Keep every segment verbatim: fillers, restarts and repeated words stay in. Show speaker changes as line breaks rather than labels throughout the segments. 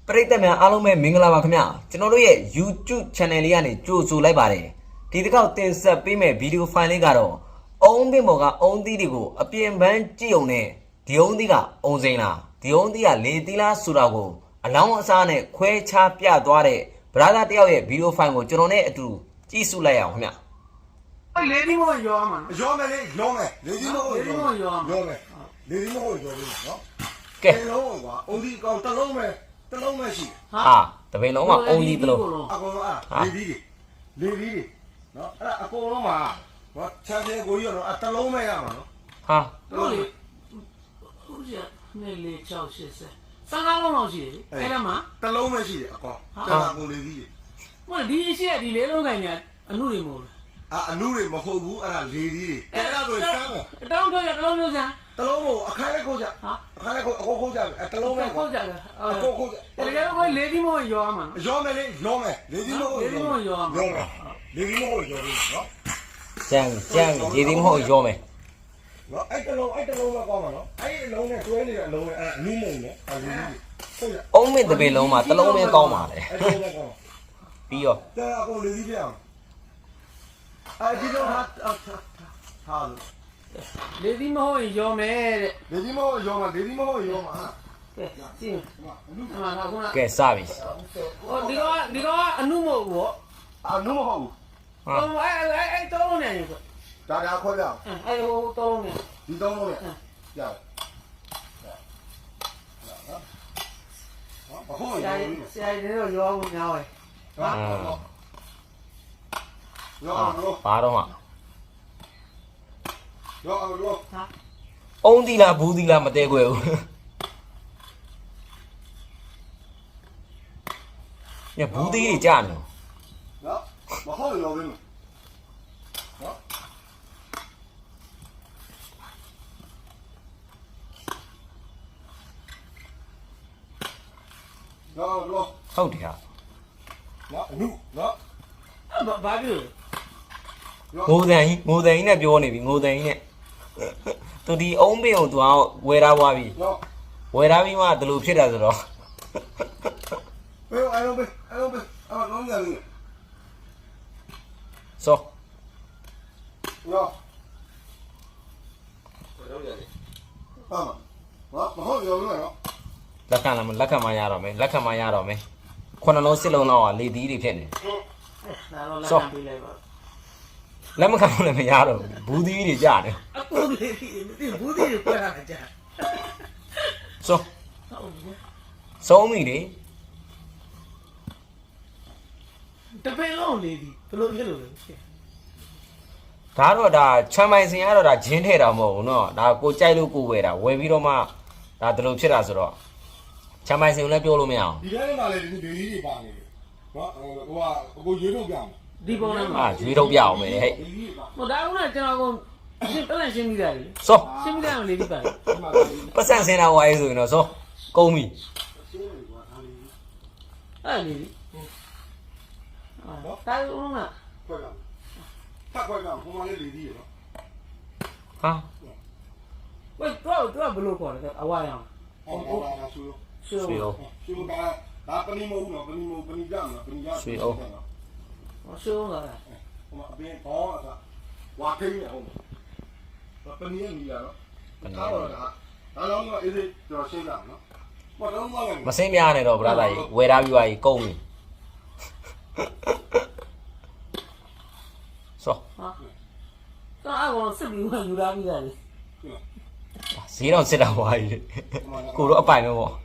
ပရိသတ်များအားလုံးပဲမင်္ဂလာပါခင်ဗျာကျွန်တော်တို့ရဲ့ YouTube channel လေးကနေကြိုဆိုလိုက်ပါတယ်ဒီတစ်ခေါက်တင်ဆက်ပေးမယ့် video file လေးကတော့အုံးပင်ပေါ်ကအုံးသီးတွေကိုအပြင်ပန်းကြည့်ုံနဲ့ဒီအုံးသီးကအုံစိမ်းလားဒီအုံးသီးကလေသီးလားဆိုတာကိုအလောင်းအစားနဲ့ခွဲခြားပြသွားတဲ့ brother တယောက်ရဲ့ video file ကိုကျွန်တော်နဲ့အတူကြည့်စုလိုက်ရအောင်ခင်ဗျာ
လေဒီမို့ရောမှာ
ရောမယ်လေရောမယ်လေဒီမို့ရောမယ်ရောမယ်လေဒီမို့ရောမယ်နော်ကဲလုံးကွာအုံးဒီကောင်တစ်လုံးပဲတစ်လုံးပဲရှိ
ဟာတပင်လုံးမှာအုံးဒီတစ်လုံး
အကုန်လုံးအဲ့လေဒီလေဒီနော်အဲ့အကုန်လုံးမှာဟောချမ်းသေးကိုကြီးရောနော်အတစ်လုံးပဲရမှာနော်
ဟာ
ဟုတ်လေဟုတ်ရနေလေချောက်ရှစ်ဆယ်စကားလုံးလောက်ရှိတယ်အဲ့ဒါမှ
တစ်လုံးပဲရှိတယ်အကောင်ကျန်တာကိုလေဒီ
ဟိုဒီရှိရဒီလေးလုံးခိုင်ညာအမှုတွေမဟုတ်
လားအအလူတွေမဟုတ်ဘူးအဲ့ဒါလေဒီအဲ့ဒါဆိုစမ်းပေါ့
တောင်းတော့ရတလုံးမျိုးစမ်း
တလုံးကိုအခါလေးကိုကြဟာအခါလေးကိုအကုန်ခုတ်ကြတယ်တလုံးပဲ
ခုတ်ကြတယ်
အကုန်ခုတ်
တယ်တကယ်တော့လေဒီမို့ရောမှာ
ရောမယ်လေရောမယ်လေဒီမို့
လေဒီမို့ရောမှာ
ရောမယ်လေဒီမို့ရောပြီနော်
ကျန်ကျန်လေဒီမို့ရောမယ်
နော်အဲ့တလုံးအဲ့တလုံးပဲကောင်းမှာနော်အဲ့အလုံးနဲ့တွဲနေတဲ့အလုံးနဲ့အဲ့အနုမုံနဲ့အဲ့ဒီ
ဟုတ်ရအုံးမင်းတပင်လုံးမှာတလုံးပဲကောင်းပါလေ
အဲ့တလုံးပဲကောင်း
ပြီးရော
တဲ့အကုန်လေဒီပြအောင်အဲ့ဒီတော့ဟာဟာ
လေဒီမို့ရောမယ်တဲ့
လေဒီမို့ရောမှာလေဒီမို့ရောမှာ
ကဲကြည့်အမှန်ကခုန
ကဲစပြီ
ဟိုဒီတော့ဒီတော့အနုမို့ဘော
အနုမဟုတ်ဘူး
ဟိုအဲ့အဲ့အဲ့တောင်းနေတယ်ကွ
ဒါဒါခေါ်ပြအောင်
အဲ့ဟိုတောင်းနေ
ဒီတောင်းလို့ရဟုတ်ဟုတ်
ရတယ်ဆရာကြီးတို့ရောဘူးများတယ်
ဟာရောရော
ဘာတော့မှ
ရောရော
ဟာ
အုံးသီးလားဘူးသီးလားမတဲခွဲဘူးညဘူးသီးတွေကြာနေ
နော်မဟုတ်ရောဘူးနော်ရောရော
ဟုတ်တယ်ဟာ
နော်အနုနော်
ဘာဘာပြော
ငိုတန်ကြီးငိုတန်ကြီးနဲ့ပြောနေပြီငိုတန်ကြီးနဲ့သူဒီအုံးပင်ကိုသူကဝယ်ထားသွားပြီဝယ်ထားပြီးမှဒီလိုဖြစ်တာဆိုတော့
ဘယ်အဲ့လိုပဲအဲ့လိုပဲအဲ့လုံးရလေး
စော
ရောလုံးရလေးဟာမမဟုတ်ရောလို့နော်
လက်ခံလာမလက်ခံမရတော့မယ်လက်ခံမရတော့မယ်ခုနှလုံးစစ်လုံးတော့လေသီးတွေဖြစ်နေ
ဒါတော့လက်ခံပေးလိုက်ပါ
လက်မခံလို့လည်းမရတော့ဘူးသီးတွေကြာတယ်
အကူလေးဒီဘူးသီးတွေပြတာကြာ
စောဆုံးပြီလေ
တပင်လုံးလေးဒီဘယ်လိုဖြစ်လို့လဲ
ဒါတော့ဒါချမ်းပိုင်စင်ကတော့ဒါဂျင်းထဲတာမဟုတ်ဘူးเนาะဒါကိုကြိုက်လို့ကိုဝယ်တာဝယ်ပြီးတော့မှဒါဒီလိုဖြစ်တာဆိုတော့ချမ်းပိုင်စင်ကိုလည်းပြောလို့မရအောင်
ဒီထဲမှာလည်းဒီဒေဒီတွေပါနေတယ်เนาะဟိုကကိုရွေးထုတ်ပြမယ်
ဒီပုံနဲ့
အာရွေးထုတ်ပြအောင်မယ်ဟဲ့
ဟိုဒါကကျွန်တော်ကရှင်းပြန်ရှင်းပြီးသားလေ
စော
ရှင်းပြီးသားလေးဒီပါ
ပတ်စံစင်တာဝိုင်းဆိုရင်တော့စောကုန်းပြီ
အဲ့လေနော်တာဦးက
ခွဲပြဖတ်ခွဲပြဟိုမှာလေးလေဒီရနော်
ဟာ
ဝေးတော့တော့ဘလို့ခေါ်တယ်အဝါရောင်
ဟောဟောလာဆူ
ဆူရော
ဆူကဒါပနီမဟုတ်နော်ပနီမပနီကြမလားပနီကြ
ဆူရော
ဆူလာ
ဟိုမှာအပင်ဘောအစားဝါခိနေအောင်ပနီရနီလာနော်ပနီရဒါတော့အေးစေးကျွန်တော်ရှင်းတာနော်မတော့မ
မစင်းများနေတော့ဗလာသားကြီးဝယ်ထားပြီးပါကြီးကုန်းပြီစော
ဟာတော့အကောင်စစ်ပြီးယူလာပြီးသားလေ
ဈေးတော့စစ်တာဝါကြီးကိုတော့အပိုင်ပဲပေါ့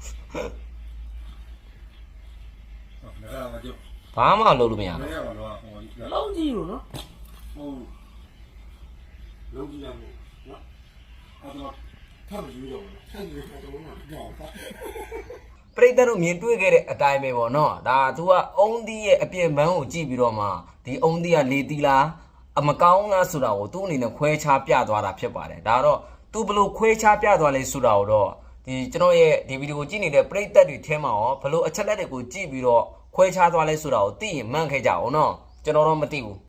ဘာမှလုပ်လို့မရဘူး
လုံးကြည့်လို့နော်
ဟုတ်လုံးကြည့်ရမို့နော်အဲ့တော့ထပ်ယူတော့ထပ်ယူတော့တော့ကြောက်ပါ
ပရိသတ်တို့မြင်တွေ့ခဲ့တဲ့အတိုင်းပဲပေါ့နော်ဒါသူကအုံးသီးရဲ့အပြင်ပန်းကိုကြည့်ပြီးတော့မှဒီအုံးသီးကလေသီးလားအမကောင်းလားဆိုတာကိုသူ့အနေနဲ့ခွဲခြားပြသွားတာဖြစ်ပါတယ်ဒါတော့သူဘလို့ခွဲခြားပြသွားလဲဆိုတာကိုတော့ဒီကျွန်တော်ရဲ့ဒီဗီဒီယိုကိုကြည့်နေတဲ့ပရိသတ်တွေထဲမှာရောဘလို့အချက်လက်တွေကိုကြည့်ပြီးတော့ခွဲခြားသွားလဲဆိုတာကိုသိရင်မှန်းခဲ့ကြအောင်နော်ကျွန်တော်တော့မသိဘူး